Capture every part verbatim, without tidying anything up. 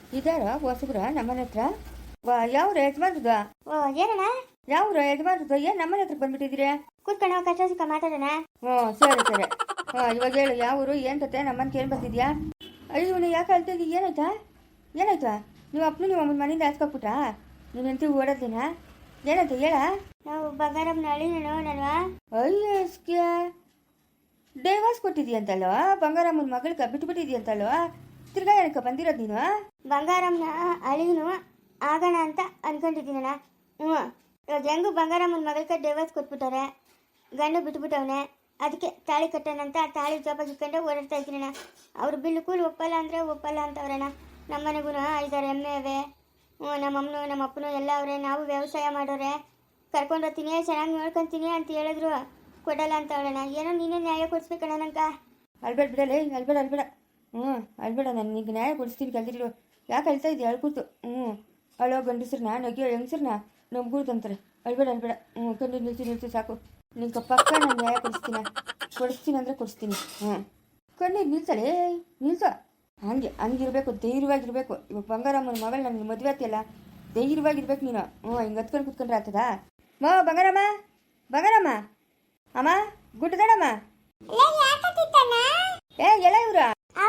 ಇದಾರ ಹೊಸಬ್ರ ನಮ್ಮನೆ ಹತ್ರ ವಾ ಯಾವ್ರ ಯಜಮಾನ್ರದ ಓ ಏನಣ್ಣ ಯಾವ್ರ ಯಜಮಾನ್ರದ ಏನ್ ನಮ್ಮನೆ ಹತ್ರ ಬಂದ್ಬಿಟ್ಟಿದ್ದೀರಿ? ಕೂತ್ಕೊಂಡು ಕಷ್ಟ ಸುಖ ಮಾತಾಡೋಣ. ಹ್ಞೂ ಸರಿ ಸರಿ. ಹಾಂ ಇವಾಗ ಹೇಳು ಯಾವರು ಏನ್ ಕತೆ ನಮ್ಮನ್ನ ಕೇಳಿ ಬಂದಿದ್ಯಾ? ಅಯ್ಯೋ ನೀ ಯಾಕೆ ಅಳ್ತಾ ಇದ್ದೀಯ? ಏನಾಯ್ತಾ ಏನಾಯ್ತಾ? ನೀವು ಅಪ್ಪನು ನೀವು ಅಮ್ಮನ ಮನೆಯಿಂದ ಹಾಸ್ಕೊಬಿಟ್ರಾ? ನೀನು ಎಂತಿ ಓಡೋದಿನ ಏನಾಯ್ತು ಹೇಳ? ನಾವು ಬಂಗಾರಮ್ಮನ ಅಳಿನೋ ನಾನು ಅಯ್ಯಸ್ಗೆ ಡೈವರ್ಸ್ ಕೊಟ್ಟಿದ್ಯಂತಲ್ವ? ಬಂಗಾರಮ್ಮನ ಮಗಳಿಗೆ ಬಿಟ್ಬಿಟ್ಟಿದ್ಯಂತಲ್ವ? ತಿರ್ಗಾ ಏನಕ್ಕೆ ಬಂದಿರೋದು ನೀನು? ಬಂಗಾರಮ್ಮನ ಅಳಿನು ಆಗೋಣ ಅಂತ ಅನ್ಕೊಂಡಿದ್ದೀನಣ್ಣ. ಹ್ಞೂ ಇವಾಗ ಹೆಂಗು ಬಂಗಾರಮ್ಮನ ಮಗಳಿಗೆ ಡೈವರ್ಸ್ ಕೊಟ್ಬಿಟ್ಟಾರೆ, ಗಂಡು ಬಿಟ್ಬಿಟ್ಟವನೆ. ಅದಕ್ಕೆ ತಾಳಿ ಕಟ್ಟೋಣಂತ ತಾಳಿ ಜೋಪಾಗಿ ಇಟ್ಕೊಂಡೆ ಓಡಾಡ್ತಾ ಇದ್ದೀನಣ್ಣ. ಅವ್ರು ಬಿಲ್ಲು ಕೂಲ್ ಒಪ್ಪಲ್ಲ ಅಂದರೆ ಒಪ್ಪಲ್ಲ ಅಂತವ್ರಣ್ಣ. ನಮ್ಮ ಮನೆಗೂ ಐದಾರು ಎಮ್ಮೆ ಅವೆ. ಹ್ಞೂ ನಮ್ಮಮ್ಮನು ನಮ್ಮ ಅಪ್ಪನು ಎಲ್ಲ ಅವರೇ. ನಾವು ವ್ಯವಸಾಯ ಮಾಡೋರೆ, ಕರ್ಕೊಂಡು ಹೋಗ್ತೀನಿ ಚೆನ್ನಾಗಿ ನೋಡ್ಕೊತೀನಿ ಅಂತ ಹೇಳಿದ್ರು, ಕೊಡಲ್ಲ ಅಂತ ಅವಳಣ್ಣ. ಏನೋ ನೀನೇ ನ್ಯಾಯ ಕೊಡಿಸ್ಬೇಕಣ್ಣ ನಂಗೆ. ಅಲ್ಬೇಡ ಬಿಡಲೇ, ಅಲ್ಬೇಡ ಅಲ್ಬೇಡ. ಹ್ಞೂ ಅಲ್ಬೇಡ, ನಾನು ನಿಂಗೆ ನ್ಯಾಯ ಕೊಡಿಸ್ತೀನಿ ಕಲ್ದಿರೋ. ಯಾಕೆ ಅಳ್ತಾ ಇದೆಯಾ? ಅಳ್ಕೂತು. ಹ್ಞೂ ಅಳೋ ಗಂಡಸ್ರನ್ನ ನಗಿಯೋ ಹೆಂಗಸ್ರನ್ನ ನಂಬ್ಗೂಡ್ತು ಅಂತಾರೆ. ಅಳ್ಬೇಡ ಅಳ್ಬೇಡ. ಹ್ಞೂ ಕಣ್ಣೀರು ನಿಲ್ಸಿ ನಿಲ್ಸಿ ಸಾಕು. ನಿಂಗೆ ಪಕ್ಕ ನಾನು ನ್ಯಾಯ ಕೊಡಿಸ್ತೀನಿ ಕೊಡಿಸ್ತೀನಿ ಅಂದರೆ ಕೊಡಿಸ್ತೀನಿ. ಹ್ಞೂ ಕಣ್ಣೀರು ನಿಲ್ಸಲೇ ನಿಲ್ಸೋ. ಹಂಗೆ ಹಂಗಿರ್ಬೇಕು, ಧೈರ್ಯವಾಗಿರ್ಬೇಕು. ಇವಾಗ ಬಂಗಾರಮ್ಮನ ಮಗಳು ನನಗೆ ಮದುವೆ ಆತಿಯಲ್ಲ, ಧೈರ್ಯವಾಗಿರ್ಬೇಕು ನೀನು. ಹ್ಞೂ ಹಿಂಗೆ ಹತ್ಕೊಂಡು ಕುತ್ಕೊಂಡ್ರೆ ಆಗ್ತದಾ? ಮಾ ಬಂಗಾರಮ್ಮ ಬಂಗಾರಮ್ಮ ಅಮ್ಮ ಗುಡ್ಡದಡಮ್ಮ ಏ ಎಲ್ಲ ಇವ್ರ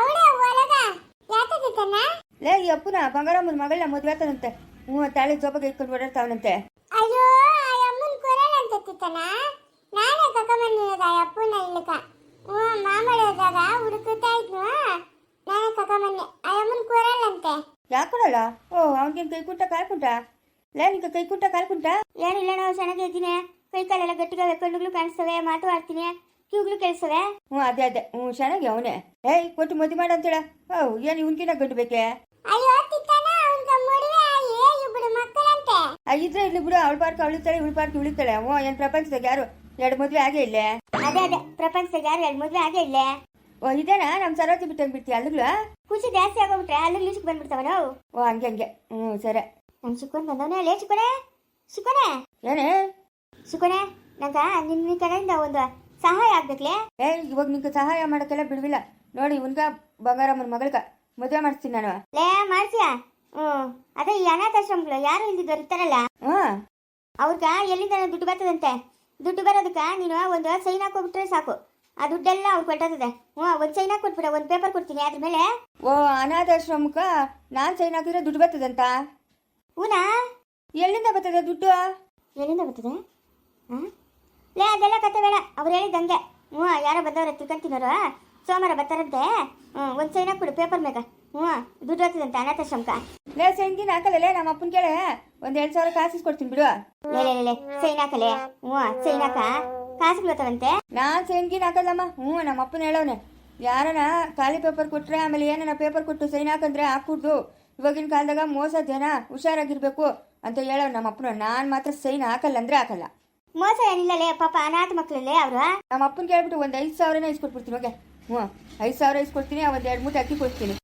ಲೇ ಈ ಅಪ್ಪನ ಬಂಗಾರಮ್ಮನ ಮಗಳನ್ನ ಮದುವೆ ಆತನಂತೆ. ಹ್ಞೂ ತಾಳಿ ಜೋಪಾಗ ಇಟ್ಕೊಂಡು ಓಡಾಡ್ತಾವನಂತೆ. ಅಯ್ಯೋ ಅಮ್ಮನ ಕೊರಲ್ಲ ಅಂತ ತಿತ್ತನ ನಾನೇ ಕಕ್ಕಮನ್ನಿರೋದ ಅಪ್ಪನ ಇಲ್ಲಕ. ಹ್ಞೂ ಮಾಮಳಿ ಹೋದಾಗ ಹುಡುಕುತ್ತಾ ಇದ್ನು, ನಾನೇ ಕಕ್ಕಮನ್ನಿ. ಅಮ್ಮನ ಕೊರಲ್ಲ ಅಂತೆ. ಯಾಕೆ ಕೊಡಲ್ಲ? ಓ ಅವನಿಗೆ ಕೈ ಕುಂಟ ಕಾಲ್ ಕುಂಟ? ಲೇ ನಿಂಗೆ ಕೈ ಕುಂಟ ಕಾಲ್ ಕುಂಟ? ಏನಿಲ್ಲ ನಾವು ಚೆನ್ನಾಗಿದ್ದೀನಿ. ಕೈ ಕಾಲೆಲ್ಲ ಗಟ್ಟಿಗೆ ಕಣ್ಣುಗಳು ಕಾಣಿಸ್ತವೆ, ಮಾತು ಆಡ್ತೀನಿ, ಕಿವುಗಳು ಕೇಳಿಸ್ತವೆ. ಹ್ಞೂ ಅದೇ ಅದೇ. ಹ್ಞೂ ಚೆನ್ನಾಗಿ ಅವನೇ. ಏಯ್ ಕೊಟ್ಟು ಮದುವೆ ಮಾಡ ಅಂತೇಳ. ಹೌ ಏನು ಇವನ್ಕಿನ ಗಂಡು ಬೇಕೆ? ಅಯ್ಯೋ ತಿತ್ತನ ಅವನ್ಗ ಮದುವೆ ಆಗಿ ಇಬ್ಬರು ಮಕ್ಕಳಂತೆ. ಇದ್ರೆ ಇಲ್ಲಿ ಬಿಡು, ಅವಳ ಪಾರ್ಕ್ ಅವಳಿತಾಳೆ, ಇವಳ ಪಾರ್ಕ್ ಇವಳಿತಾಳೆ. ಹ್ಞೂ ಏನು ಪ್ರಪಂಚದಾಗ ಯಾರು ಎರಡು ಮದುವೆ ಆಗೇ ಇಲ್ಲೇ? ಅದೇ ಅದೇ ಪ್ರಪಂಚದಾಗ ಯಾರು ಎರಡು ಮದುವೆ ಆಗೇ ಇಲ್ಲೇ. ಓ ಇದೇನಾ ನಮ್ಮ ಸರೋಜಿ ಬಿಟ್ಟಂಗೆ ಬಿಡ್ತೀಯ ಅಲ್ಲಿಗ್ಲ? ಖುಷಿ ಜಾಸ್ತಿ ಆಗೋಗ್ಬಿಟ್ರೆ ಅಲ್ಲಿ ಲಿಸ್ಕ್ ಬಂದ್ಬಿಡ್ತಾವ ನಾವು. ಓ ಹಂಗೆ ಹಂಗೆ. ಹ್ಞೂ ಸರಿ. ನಮ್ ಶಿಕೋನ್ ಬಂದವನೇ ಲೇ ಶಿಕೋನೆ ಶಿಕೋನೆ ಏನೇ ಶಿಕೋನೆ ನಂಗ ನಿನ್ನ ಕಡೆಯಿಂದ ಒಂದು ಸಹಾಯ ಆಗ್ಬೇಕ್ಲೆ. ಏ ಇವಾಗ ನಿಂಗೆ ಸಹಾಯ ಮಾಡೋಕ್ಕೆಲ್ಲ ಬಿಡ್ವಿಲ್ಲ ನೋಡಿ. ಇವನ್ಗ ಬಂಗಾರಮ್ಮನ ಮಗಳ್ಗ ಮದುವೆ ಮಾಡಿಸ್ತೀನಿ ನಾನು. ಲೇ ಮಾಡ್ತೀಯಾ? ಹ್ಞೂ ಅದೇ ಈ ಅನಾಥಾಶ್ರಮಗಳು ಯಾರು ಇಲ್ದಿದ್ದವ್ರು ಇರ್ತಾರಲ್ಲ, ಹ್ಞೂ ಅವ್ರಗ ಎಲ್ಲಿಂದ ದುಡ್ಡು ಬರ್ತದಂತೆ. ದುಡ್ಡು ಬರೋದಕ್ಕೆ ನೀನು ಒಂದು ಸೈನ್ ಹಾಕೋಬಿಟ್ರೆ ಸಾಕು, ಆ ದುಡ್ಡೆಲ್ಲ ಅವ್ರು ಕೊಟ್ಟದೆ. ಹ್ಞೂ ಒಂದು ಸೈನ್ ಹಾಕೊಟ್ಬಿಡ, ಒಂದು ಪೇಪರ್ ಕೊಡ್ತೀನಿ ಅದ್ರ ಮೇಲೆ. ಓ ಅನಾಥಾಶ್ರಮಕ್ಕ ನಾನು ಸೈನ್ ಹಾಕಿದ್ರೆ ದುಡ್ಡು ಬರ್ತದಂತ? ಹೂನಾ? ಎಲ್ಲಿಂದ ಬರ್ತದೆ ದುಡ್ಡು? ಎಲ್ಲಿಂದ ಬರ್ತದೆ? ಹಾಂ ಲೇ ಅದೆಲ್ಲ ಕತೆ ಬೇಡ, ಅವ್ರು ಹೇಳಿದಂಗೆ. ಹ್ಞೂ ಯಾರೋ ಬಂದವ್ರೆ ತಿಳ್ಕೊಂತೀನವ್ರು, ಸೋಮವಾರ ಬರ್ತಾರಂತೆ. ಹ್ಞೂ ಒಂದು ಸೈನ್ ಹಾಕ್ಬಿಡು ಪೇಪರ್ ಮ್ಯಾಗ. ಹ್ಞೂ ದುಡ್ಡು ಬರ್ತದಂತೆ ಅನಾಥಾಶ್ರಮಕ. ಲೇ ಸೈನ್ ಗಿನ್ ಹಾಕಲ್ಲೇ ನಮ್ಮ ಅಪ್ಪನ ಕೇಳೆ, ಒಂದು ಎರಡು ಸಾವಿರ ಕಾಸು ಕೊಡ್ತೀನಿ ಬಿಡು. ಲೇ ಲೇ ಲೇ ಸೈನ್ ಹಾಕಲೇ. ಹ್ಞೂ ಸೈನ್ ಹಾಕ ಕಾಸುಗಳು ಬರ್ತಾವಂತೆ. ನಾನು ಸೈನ್ ಗಿನ್ ಹಾಕಲ್ಲಮ್ಮ. ಹ್ಞೂ ನಮ್ಮ ಅಪ್ಪನ ಹೇಳೋನೆ, ಯಾರನ ಖಾಲಿ ಪೇಪರ್ ಕೊಟ್ರೆ ಆಮೇಲೆ ಏನನ ಪೇಪರ್ ಕೊಟ್ಟು ಸೈನ್ ಹಾಕಂದ್ರೆ ಹಾಕ್ಬಿಡ್ದು. ಇವಾಗಿನ ಕಾಲದಾಗ ಮೋಸ ಜನ ಹುಷಾರಾಗಿರ್ಬೇಕು ಅಂತ ಹೇಳೋ ನಮ್ಮ ಅಪ್ಪನ. ನಾನು ಮಾತ್ರ ಸೈನ್ ಹಾಕಲ್ಲ ಅಂದ್ರೆ ಹಾಕಲ್ಲ. ಮೋಸ ಏನಿಲ್ಲಲೇ, ಪಾಪ ಅನಾಥ ಮಕ್ಕಳಲ್ಲೇ ಅವರು. ನಮ್ಮ ಅಪ್ಪನ ಕೇಳ್ಬಿಟ್ಟು ಒಂದು ಐದು ಸಾವಿರನೇ ಇಸ್ಕೊಟ್ಬಿಡ್ತೀನಿ. ಓಕೆ ಹ್ಞೂ ಐದು ಸಾವಿರ ಇಸ್ಕೊಡ್ತೀನಿ, ಒಂದು ಎರಡು ಮೂಟೆ ಅಕ್ಕಿ ಕೊಡ್ತೀನಿ.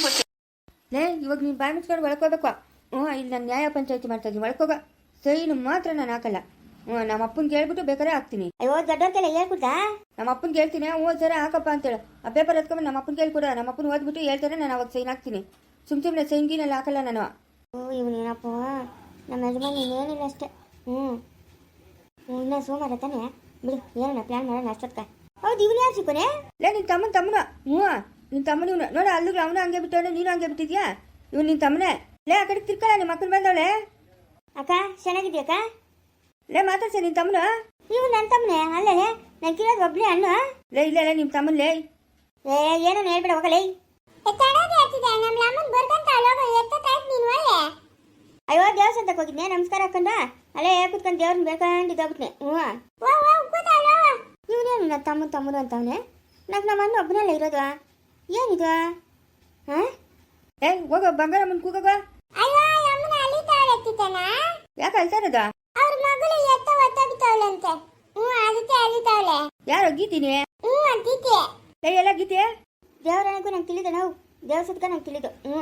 ಲೇ ಇವಾಗ ನೀನು ಬಾಯಿ ಮುಚ್ಕೊಂಡು ಒಳ್ಕೋಬೇಕು. ಹ್ಞೂ ಇಲ್ಲಿ ನಾನು ನ್ಯಾಯ ಪಂಚಾಯತಿ ಮಾಡ್ತಾ ಇದ್ದೀನಿ, ಒಳ್ಕೋಗ. ಸೈನು ಮಾತ್ರ ನಾನು ಹಾಕಲ್ಲ. ಹ್ಞೂ ನಮ್ಮ ಅಪ್ಪನ ಕೇಳ್ಬಿಟ್ಟು ಬೇಕಾದ್ರೆ ಹಾಕ್ತೀನಿ. ಅಯ್ಯೋ ದೊಡ್ಡವ್ರಿಗೆಲ್ಲ ಹೇಳ್ಕೊಡ್ತಾ? ನಮ್ಮ ಅಪ್ಪನ ಕೇಳ್ತೀನಿ. ಹ್ಞೂ ಸರಿ ಹಾಕಪ್ಪ ಅಂತೇಳು. ಆ ಪೇಪರ್ ಎತ್ಕೊಂಡು ನಮ್ಮ ಅಪ್ಪನ ಕೇಳ್ಕೊಡ. ನಮ್ಮ ಅಪ್ಪನ ಓದ್ಬಿಟ್ಟು ಹೇಳ್ತಾರೆ, ನಾನು ಅವಾಗ ಸೈನ್ ಹಾಕ್ತೀನಿ. ಸುಮ್ ಸುಮ್ಮನೆ ಸೈನ್ ಗೀನೆಲ್ಲ ಹಾಕಲ್ಲ ನಾನು. ಓ ಇವನೇನಪ್ಪ ನಮ್ಮ ಯಜಮಾನ್ ಏನಿಲ್ಲ ಅಷ್ಟೇ. ಹ್ಞೂ ಇನ್ನ ಸೋಮವಾರ ತಾನೆ ಬಿಡು, ಏನಣ್ಣ ಪ್ಲಾನ್ ಮಾಡೋಣ ಅಷ್ಟೊತ್ತ. ಹೌದು ಇವನು ಯಾರು ಸಿಕ್ಕೋನೆ? ಲೇ ನಿನ್ನ ತಮ್ಮನ ತಮ್ಮನ. ಹ್ಞೂ ನಿನ್ನ ತಮ್ಮನ ಇವನು ನೋಡ. ಅಲ್ಲಿಗೆ ಅವನು ಹಂಗೆ ಬಿಟ್ಟವನೆ, ನೀನು ಹಂಗೆ ಬಿಟ್ಟಿದ್ಯಾ. ಇವ್ನು ನಿನ್ನ ತಮ್ಮನೇ. ಲೇ ಆ ಕಡೆ ತಿರ್ಕಲ್ಲ, ನಿಮ್ಮ ಅಕ್ಕನ ಬಂದವಳೆ. ಅಕ್ಕ ಚೆನ್ನಾಗಿದ್ಯಕ್ಕ? ಲೇ ಮಾತಾಡ್ಸ ನಿನ್ನ ತಮ್ಮನ. ಇವು ನನ್ನ ತಮ್ಮನೇ ಅಲ್ಲೇ, ನಾನು ಕಿರೋದು ಒಬ್ಬನೇ ಅಣ್ಣ. ಲೇ ಇಲ್ಲ ಲೇ ನಿಮ್ಮ ತಮ್ಮನ. ಲೇ ಏ ಏನೋ ಹೇಳ್ಬೇಡ ಹೋಗಲೇ. ಅಯ್ಯೋ ದೇವಸ್ಥಾನಕ್ಕೆ ಹೋಗಿದ್ನೆ, ನಮಸ್ಕಾರ ಹಾಕೊಂಡ ಅಲ್ಲೇ ಕುತ್ಕೊಂಡು ದೇವ್ರನ್ನ ಬೇಕಂಡಿದ್ದೋಗ್ಬಿಟ್ನೆ. ಹ್ಞೂ ಇವನೇನು ನನ್ನ ತಮ್ಮ ತಮ್ಮನು ಅಂತವನೆ. నాకు ನಮ್ಮ ಅಣ್ಣ ಒಬ್ಬನಲ್ಲ ಇರೋದು. ಏನಿದು? ಹಾಂ ಏ ಹೋಗ ಬಂಗಾರಮ್ಮನ ಕೂಗೋಗ. ಯಾಕೆ ಅಳ್ತಾ ಇರೋದ? ಅವ್ರ ಮಗಳು ಎತ್ತ ಒತ್ತಾಗ್ತಾವಳಂತೆ. ಹ್ಞೂ ಅದಕ್ಕೆ ಅಳಿತಾವಳೆ. ಯಾರೋ ಗೀತೀನಿ? ಹ್ಞೂ ಗೀತೆ. ಏ ಎಲ್ಲ ಗೀತೆ? ದೇವರನಿಗೂ ನಂಗೆ ತಿಳಿದು ನಾವು ದೇವಸ್ಥಾನಕ್ಕೆ ನಂಗೆ ತಿಳಿದು. ಹ್ಞೂ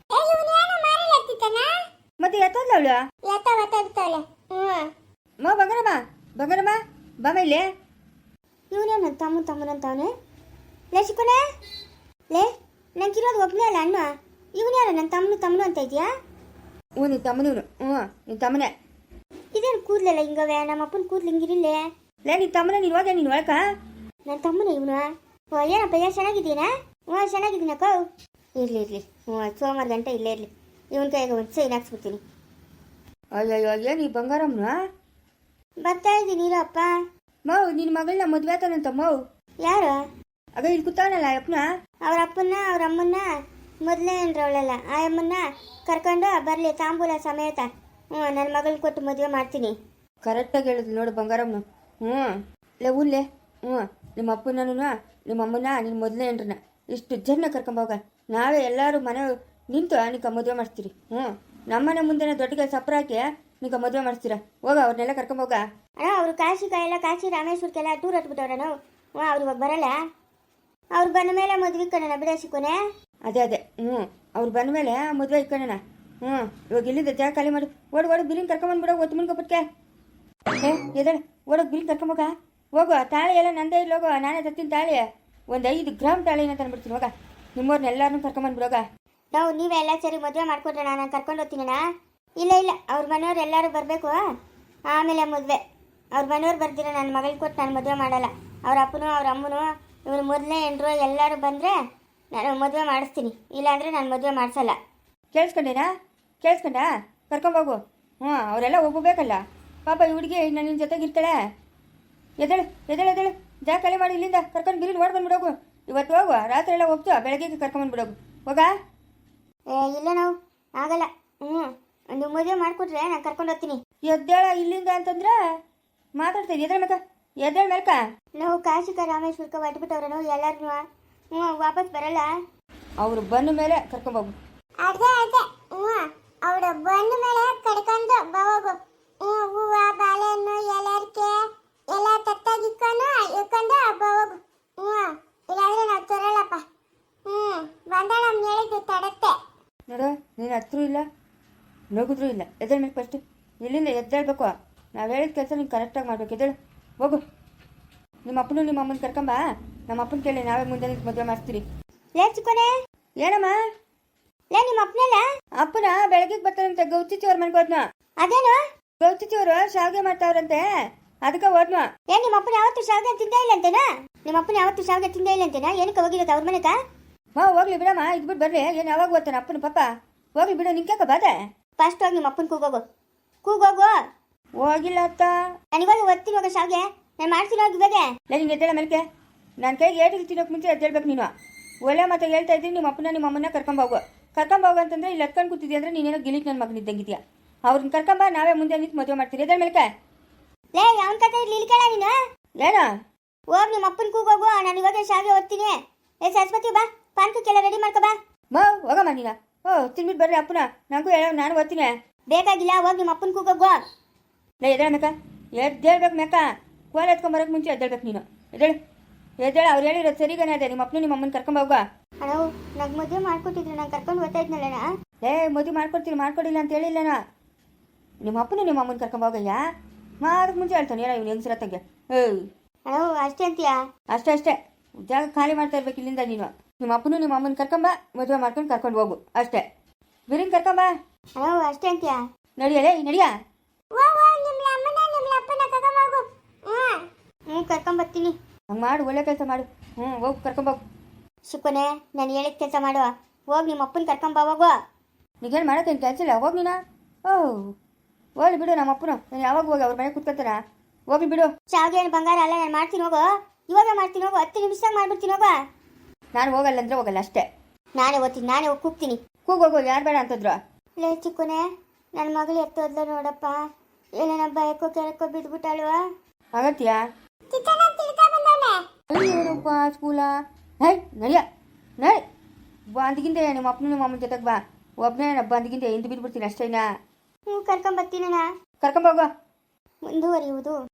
ಮತ್ತೆ ಎತ್ತಲ್ಲ ಅವಳು? ಎತ್ತ ಒತ್ತಾಗ್ತಾವಳೆ. ಹ್ಞೂ ಮಾ ಬಂಗಾರಮ್ಮ ಬಂಗಾರಮ್ಮ ಬಾಮ ಇಲ್ಲೇ. ಇವನೇ ನನ್ನ ತಮ್ಮ ತಮ್ಮನಂತವನೆ. ಲೇ ಶಿಕೋನೆ ಲೇ ನಂಗಿರೋದು ಒಬ್ಬನೇ ಅಲ್ಲ ಅಣ್ಣ. ಇವನು ಯಾರು ನನ್ನ ತಮ್ಮನು ತಮ್ಮನು ಅಂತ ಇದೆಯಾ? ಹ್ಞೂ ನಿನ್ನ ತಮ್ಮನೂರು, ಹ್ಞೂ ನಿನ್ನ ತಮ್ಮನೇ. ಇದೇನು ಕೂದಲೆಲ್ಲ ಹಿಂಗವೆ? ನಮ್ಮ ಅಪ್ಪನ ಕೂದಲು ಹಿಂಗಿರಿಲ್ಲೇ. ಲೇ ನಿನ್ನ ತಮ್ಮನ ನೀನು ಹೋದೆ ನೀನು ಒಳಕ? ನನ್ನ ತಮ್ಮನ ಇವನು. ಓ ಏನಪ್ಪ ಏನು ಚೆನ್ನಾಗಿದ್ದೀನಾ? ಹ್ಞೂ ಚೆನ್ನಾಗಿದ್ದೀನಕ್ಕ. ಇರಲಿ ಇರಲಿ, ಹ್ಞೂ ಸೋಮವಾರ ಗಂಟೆ ಇಲ್ಲೇ ಇರಲಿ. ಇವನ ಕೈಗೆ ಒಂದು ಸೈನ್ ಹಾಕ್ಸ್ಬಿಡ್ತೀನಿ. ಅಯ್ಯಯ್ಯೋ ಏನು ಈ ಬಂಗಾರಮ್ಮನ? ಬರ್ತಾ ಇದ್ದೀನಿ ಇರಪ್ಪ. ಮೌ ನಿನ್ನ ಮಗಳನ್ನ ಮದುವೆ ಆತಾನಂತ ಮೌ. ಯಾರು? ಆಗ ಇಲ್ಲಿ ಕೂತಾವನಲ್ಲ ಅಪ್ಪನ. ಅವ್ರ ಅಪ್ಪನ್ನ ಅವ್ರ ಅಮ್ಮನ್ನ ಮೊದಲೇ ಅಂದ್ರವಳಲ್ಲ ಆ ಅಮ್ಮನ್ನ ಕರ್ಕೊಂಡು ಬರಲಿ ತಾಂಬೂಲ ಸಮೇತ. ಹ್ಞೂ ನನ್ನ ಮಗಳನ್ನ ಕೊಟ್ಟು ಮದುವೆ ಮಾಡ್ತೀನಿ. ಕರೆಕ್ಟಾಗಿ ಹೇಳಿದ್ಲು ನೋಡು ಬಂಗಾರಮ್ಮನು. ಹ್ಞೂ ಲೇ ಊನ್ಲೇ, ಹ್ಞೂ ನಿಮ್ಮ ಅಪ್ಪನೂ ನಿಮ್ಮ ಅಮ್ಮನ ನಿನ್ನ ಮೊದಲೇ ಏನ್ರನ್ನ ಇಷ್ಟು ಜನ ಕರ್ಕೊಂಬೋಗ. ನಾವೇ ಎಲ್ಲರೂ ಮನೆ ನಿಂತು ನಿಂಕ ಮದುವೆ ಮಾಡಿಸ್ತೀರಿ. ಹ್ಞೂ ನಮ್ಮನೆ ಮುಂದೆನೇ ದೊಡ್ಡಗೆ ಸಪ್ರ ಹಾಕಿ ನಿಂಕ ಮದುವೆ ಮಾಡಿಸ್ತೀರ. ಹೋಗ ಅವ್ರನ್ನೆಲ್ಲ ಕರ್ಕೊಂಬೋಗ. ಅಣ್ಣ ಅವರು ಕಾಶಿ ಕಾಯೆಲ್ಲ ಕಾಶಿ ರಾಮೇಶ್ವರಕ್ಕೆಲ್ಲ ಟೂರ್ ಹಟ್ಬಿಟ್ಟವ್ರ ನಾವು. ಹ್ಞೂ ಅವ್ರು ಇವಾಗ ಬರಲ್ಲ. ಅವ್ರು ಬಂದ ಮೇಲೆ ಮದುವೆ ಕಣ ಬಿಡಸಿಕೊನೆ. ಅದೇ ಅದೇ ಹ್ಞೂ ಅವ್ರು ಬಂದ ಮೇಲೆ ಮದುವೆ ಇಕ್ಕೋಣ. ಹ್ಞೂ ಇವಾಗ ಇಲ್ಲಿಂದ ಜಾಗ ಖಾಲಿ ಮಾಡಿ ಓಡು ಓಡು ಬಿರಿನ್ ಕರ್ಕೊಂಬಂದ್ಬಿಡೋ ಒತ್ತು ಮುನ್ಕೊಪಟ್ಕೆ. ಏ ಎದಳ ಓಡೋಗಿ ಬಿರಿನ್ ಕರ್ಕೊಂಬೋಗ. ಹೋಗು ತಾಳಿ ಎಲ್ಲ ನಂದೇ ಇಲ್ಲ ಹೋಗು, ನಾನೇ ತತ್ತೀನಿ ತಾಳಿ. ಒಂದು ಐದು ಗ್ರಾಮ್ ತಾಳಿನ ತಂದ್ಬಿಡ್ತೀನಿ. ಹೋಗ ನಿಮ್ಮವ್ರನ್ನ ಎಲ್ಲರನ್ನೂ ಕರ್ಕೊಂಬಂದ್ಬಿಡೋಗ. ನಾವು ನೀವೇ ಎಲ್ಲ ಸರಿ ಮದುವೆ ಮಾಡ್ಕೊಟ್ರೆ ನಾನು ಕರ್ಕೊಂಡು ಹೋಗ್ತೀನಣ್ಣ. ಇಲ್ಲ ಇಲ್ಲ ಅವ್ರ ಮನೆಯವ್ರು ಎಲ್ಲರೂ ಬರಬೇಕು, ಆಮೇಲೆ ಮದುವೆ. ಅವ್ರ ಮನೆಯವ್ರು ಬರ್ದಿರ ನನ್ನ ಮಗಳಿಗೆ ಕೊಟ್ಟು ನಾನು ಮದುವೆ ಮಾಡಲ್ಲ. ಅವ್ರ ಅಪ್ಪನೂ ಅವ್ರ ಅಮ್ಮನೂ ಇವ್ರು ಮೊದಲನೇ ಎಂಡ್ರು ಎಲ್ಲರೂ ಬಂದರೆ ನಾನು ಮದುವೆ ಮಾಡಿಸ್ತೀನಿ. ಇಲ್ಲಾಂದರೆ ನಾನು ಮದುವೆ ಮಾಡಿಸಲ್ಲ. ಕೇಳಿಸ್ಕೊಂಡೇನಾ? ಕೇಳಿಸ್ಕೊಂಡ? ಕರ್ಕೊಂಬೋಗು. ಹ್ಞೂ ಅವರೆಲ್ಲ ಒಬ್ಬಬೇಕಲ್ಲ ಪಾಪ. ಈ ಹುಡುಗಿ ನಾನು ನಿನ್ನ ಜೊತೆಗೆ ಇರ್ತಾಳೆ. ಎದಳು ಎದಳು ಎದಳು ಜಾಗ ಖಾಲಿ ಮಾಡಿ ಇಲ್ಲಿಂದ ಕರ್ಕೊಂಡು ಬಿರಿನ್ ಓಡ್ ಬಂದ್ಬಿಡೋಗು. ಇವತ್ತು ಹೋಗು, ರಾತ್ರಿ ಎಲ್ಲ ಹೋಗ್ತು, ಬೆಳಗ್ಗೆ ಕರ್ಕೊಂಬಂದ್ಬಿಡೋಗು. ಹೋಗ. ಏ ಇಲ್ಲ ನಾವು ಆಗಲ್ಲ. ಹ್ಞೂ ಒಂದು ಮದುವೆ ಮಾಡಿಕೊಟ್ರೆ ನಾನು ಕರ್ಕೊಂಡು ಹೋಗ್ತೀನಿ. ಎದ್ದೇಳ ಇಲ್ಲಿಂದ ಅಂತಂದ್ರೆ ಮಾತಾಡ್ತೀನಿ. ಎದ್ದೇಳ ಮೇಕ ಎದ್ದೇಳ ಮೇಲ್ಕ. ನಾವು ಕಾಶಿಕ ರಾಮೇಶ್ವರಕ್ಕೆ ಹೊಟ್ಬಿಟ್ಟವ್ರೆ ನಾವು ಎಲ್ಲರೂ. ಹ್ಞೂ ವಾಪಸ್ ಬರಲ್ಲ. ಅವರು ಬಂದ ಮೇಲೆ ಕರ್ಕೊಂಬೋಗು. ಅದೇ ಅದೇ ಹ್ಞೂ ಅವ್ರು ಬಂದ ಮೇಲೆ ಕಡ್ಕೊಂಡು ಬರೋಗು. ಹ್ಞೂ ಹೂವು ಬಾಳೆಹಣ್ಣು ಎಲ್ಲರ್ಕೆ ಎಲ್ಲ ತತ್ತಾಗಿಕ್ಕೊಂಡು ಇಕ್ಕೊಂಡು ಬರೋಗು. ಹ್ಞೂ ಇಲ್ಲಾಂದ್ರೆ ನಾವು ತರಲ್ಲಪ್ಪ. ಹ್ಞೂ ಬಂದ ನಮ್ಮ ಹೇಳಿದ್ದು ತಡತ್ತೆ ನೋಡು. ನೀನು ಹತ್ರೂ ಇಲ್ಲ ನಗುದ್ರೂ ಇಲ್ಲ. ಎದ್ದೇಳ ಮೇಲೆ ಫಸ್ಟ್ ಇಲ್ಲಿಂದ ಎದ್ದೇಳ್ಬೇಕು. ನಾವು ಹೇಳಿದ ಕೆಲಸ ನೀನು ಕರೆಕ್ಟಾಗಿ ಮಾಡ್ಬೇಕು. ಎದ್ದೇಳು ಹೋಗು. ನಿಮ್ಮ ಅಪ್ಪನು ನಿಮ್ಮ ಅಮ್ಮನ ಕರ್ಕೊಂಬ. ನಮ್ಮ ಅಪ್ಪನ ಕೇಳಿ ನಾವೇ ಮುಂದೆ ನಿಂತು ಮದುವೆ ಮಾಡ್ತೀರಿ. ಲೇ ಚಿಕ್ಕೋನೆ. ಏನಮ್ಮ? ಲೇ ನಿಮ್ಮ ಅಪ್ಪನಲ್ಲ? ಅಪ್ಪನ ಬೆಳಗ್ಗೆ ಬರ್ತಾರಂತೆ ಗೌಚಿಚ್ಚಿ ಅವ್ರ ಮನೆಗೆ ಹೋದ್ನ. ಅದೇನು? ಗೌಚಿಚ್ಚಿ ಅವರು ಶಾವಿಗೆ ಮಾಡ್ತಾವ್ರಂತೆ, ಅದಕ್ಕೆ ಹೋದ್ನ. ಏನ್ ನಿಮ್ಮ ಅಪ್ಪನ ಯಾವತ್ತು ಶಾವಿಗೆ ತಿಂದೇ ಇಲ್ಲ ಅಂತೇನಾ? ನಿಮ್ಮ ಅಪ್ಪನ ಯಾವತ್ತು ಶಾವಿಗೆ ತಿಂದೇ ಇಲ್ಲ ಅಂತೇನಾ? ಏನಕ್ಕೆ ಹೋಗಿರೋದು ಅವ್ರ ಮನೆಗ? ಹಾ ಹೋಗ್ಲಿ ಬಿಡಮ್ಮ, ಇದ್ಬಿಟ್ಟು ಬರ್ರಿ. ಏನು ಯಾವಾಗ ಓದ್ತಾನೆ ಅಪ್ಪನ ಪಾಪ? ಹೋಗ್ಲಿ ಬಿಡು. ನಿಂಗೆ ಬಾದೆ ಫಸ್ಟ್ ಹೋಗಿ ನಿಮ್ಮ ಅಪ್ಪನ ಕೂಗೋಗು. ಕೂಗೋಗು. ಹೋಗಿಲ್ಲ ಅತ್ತ. ನನಗಿವಾಗ ಓದ್ತೀನಿ ಹೋಗ ಶಾವಿಗೆ ನಾನು ಮಾಡ್ತೀನಿ ಹೋಗಿ ಇವಾಗ. ನೀನು ಎದ್ದೇಳ ಮೇಲ್ಕೆ. ನನ್ನ ಕೈಗೆ ಏಟಿಗೆ ತಿನ್ನೋಕೆ ಮುಂಚೆ ಎದ್ದೇಳ್ಬೇಕು ನೀನು. ಒಳ್ಳೆ ಮತ್ತೆ ಹೇಳ್ತಾ ಇದ್ದೀನಿ. ನಿಮ್ಮ ಅಪ್ಪನ ನಿಮ್ಮ ಅಮ್ಮನ ಕರ್ಕೊಂಬೋಗು. ಕರ್ಕೊಂಬೋಗು ಅಂತಂದ್ರೆ ಇಲ್ಲಿ ಹತ್ಕೊಂಡು ಕೂತಿದ್ಯಾ ಅಂದ್ರೆ ನೀನೇನೋ ಗಿಲಿಕ್ ನನ್ನ ಮಗನ ಇದ್ದಂಗಿದ್ಯಾ. ಅವ್ರನ್ನ ಕರ್ಕೊಂಬ, ನಾವೇ ಮುಂದೆ ನಿಂತು ಮದುವೆ ಮಾಡ್ತೀರಿ. ಎದ್ದೇಳ ಮೇಲ್ಕೆ. ಲೇ ಅವನ ಕತೆ ಇರ್ಲಿ ಇಲ್ಲಿ ಕೇಳ ನೀನು. ಏನ? ಹೋಗಿ ನಿಮ್ಮ ಅಪ್ಪನ ಕೂಗೋಗು. ನಾನು ಇವಾಗ ಶಾವಿಗೆ ಓದ್ತೀನಿ. ಏ ಸರಸ್ವತಿ ಬಾ, ಪಾನ್ಕಕ್ಕೆಲ್ಲ ರೆಡಿ ಮಾಡ್ಕೊ ಬಾ. ಮಾ ಹೋಗಮ್ಮ ನೀನ. ಓ ತಿನ್ಬಿಟ್ಟು ಬರ್ರಿ ಅಪ್ಪನ. ನನಗೂ ಹೇಳೋ, ನಾನು ಓದ್ತೀನಿ. ಬೇಕಾಗಿಲ್ಲ, ಹೋಗಿ ನಿಮ್ಮ ಅಪ್ಪನ ಕೂಗೋಗು. ಲೇ ಎದ್ದೇಳ ಮೇಕ. ಎದ್ದೇಳ್ಬೇಕು ಮೇಕ. ಕೋಲ್ ಎತ್ಕೊಂಬರಕ್ಕೆ ಮುಂಚೆ ಎದ್ದೇಳ್ಬೇಕು ನೀನು. ಎದ್ದೇಳು ಎದ್ದೇಳ. ಅವ್ರು ಹೇಳಿರೋದು ಸರಿಗಾನೆ ಅದೇ. ನಿಮ್ಮ ಅಪ್ಪನ ನಿಮ್ಮ ಅಮ್ಮನ ಕರ್ಕೊಂಬೋಗ. ಅಣ್ಣ ನಂಗೆ ಮದುವೆ ಮಾಡ್ಕೊಟ್ಟಿದ್ರು, ನಾನು ಕರ್ಕೊಂಡು ಓದ್ತಾ ಇದ್ನಲ್ಲಣ್ಣ. ಏ ಮದುವೆ ಮಾಡ್ಕೊಡ್ತೀನಿ ಮಾಡ್ಕೊಡಿಲ್ಲ ಅಂತ ಹೇಳಿಲ್ಲನ. ನಿಮ್ಮ ಅಪ್ಪನ ನಿಮ್ಮ ಅಮ್ಮನ ಕರ್ಕೊಂಬೋಗಯ್ಯ. ಮಾದಕ್ಕೆ ಮುಂಚೆ ಹೇಳ್ತಾನೆ ಏನೋ ಇವ್ನು ಹೆಂಗಸರತ್ತಂಗೆ. ಏಯ್ ಅಣ್ಣ ಅಷ್ಟೇ ಅಂತೀಯಾ? ಅಷ್ಟೇ ಅಷ್ಟೇ. ಜಾಗ ಖಾಲಿ ಮಾಡ್ತಾ ಇರ್ಬೇಕು ಇಲ್ಲಿಂದ ನೀನು. ನಿಮ್ಮ ಅಪ್ಪನು ನಿಮ್ಮ ಅಮ್ಮನ ಕರ್ಕೊಂಬ, ಮದುವೆ ಮಾಡ್ಕೊಂಡು ಕರ್ಕೊಂಡು ಹೋಗು ಅಷ್ಟೇ. ಬಿರಿನ್ ಕರ್ಕೊಂಬ. ಅಣ್ಣ ಅಷ್ಟೇ ಅಂತೀಯಾ? ನಡಿಯಲೇ ನಡಿಯ. ಹ್ಞೂ ಕರ್ಕೊಂಬರ್ತೀನಿ. ಹಂಗೆ ಮಾಡು, ಒಳ್ಳೆ ಕೆಲಸ ಮಾಡು. ಹ್ಞೂ ಹೋಗು ಕರ್ಕೊಂಬೋಗು. ಶಿಕೊನೆ ನಾನು ಹೇಳಿದ ಕೆಲಸ ಮಾಡುವ. ಹೋಗಿ ನಿಮ್ಮ ಅಪ್ಪನ ಕರ್ಕೊಂಬ ಹೋಗು. ನೀಗೇನು ಮಾಡೋಕ್ಕೇನು ಕೆಲಸ ಇಲ್ಲ. ಹೋಗಿ ನೀನು. ಓಹ್ ಹೋಗ್ಲಿ ಬಿಡು. ನಮ್ಮ ಅಪ್ಪನು ನಾನು ಯಾವಾಗ ಹೋಗಿ ಅವ್ರ ಮನೆಗೆ ಕೂತ್ಕೊತಾರ. ಹೋಗ್ಲಿ ಬಿಡು. ಶಾವಿಗೆ ಏನು ಬಂಗಾರ ಅಲ್ಲ, ನಾನು ಮಾಡ್ತೀನಿ ಹೋಗು. ಇವಾಗ ಮಾಡ್ತೀನಿ ಹೋಗು. ಹತ್ತು ನಿಮಿಷದಾಗ ಮಾಡ್ಬಿಡ್ತೀನಿ ಹೋಗು. ನಾನು ಹೋಗಲ್ಲ ಅಂದ್ರೆ ಹೋಗಲ್ಲ ಅಷ್ಟೇ. ನಾನೇ ಓದ್ತೀನಿ, ನಾನೇ ಹೋಗಿ ಕೂಗ್ತೀನಿ. ಕೂಗೋಗು. ಯಾರು ಬೇಡ ಅಂತಂದ್ರು? ಲೇ ಚಿಕ್ಕನೆ ನನ್ನ ಮಗಳು ಎತ್ತೋದ್ಲ ನೋಡಪ್ಪ. ಏನೇನ ಬಯಕೋ ಕೆಳಕೋ ಬಿದ್ಬಿಟ್ಟಾಳು. ಆಗತ್ತೀಯಾ? ಅಯ್ಯೋಪ್ಪ ಸ್ಕೂಲ. ಹೇ ನಡಿಯ ನಡಿ. ಬಂದಿಗಿಂದೆ ನಿಮ್ಮ ಅಪ್ಪನ ನಿಮ್ಮ ಅಮ್ಮನ ಜೊತೆಗೆ ಬಾ. ಒಬ್ಬನೇ ಬಂದಿಗಿಂದೆ ಹಿಂದೆ ಬಿದ್ದುಬಿಡ್ತೀನಿ ಅಷ್ಟೇನಾ. ಹ್ಞೂ ಕರ್ಕೊಂಬರ್ತೀನಣ್ಣ. ಕರ್ಕೊಂಬೋಗು. ಮುಂದುವರಿಯುವುದು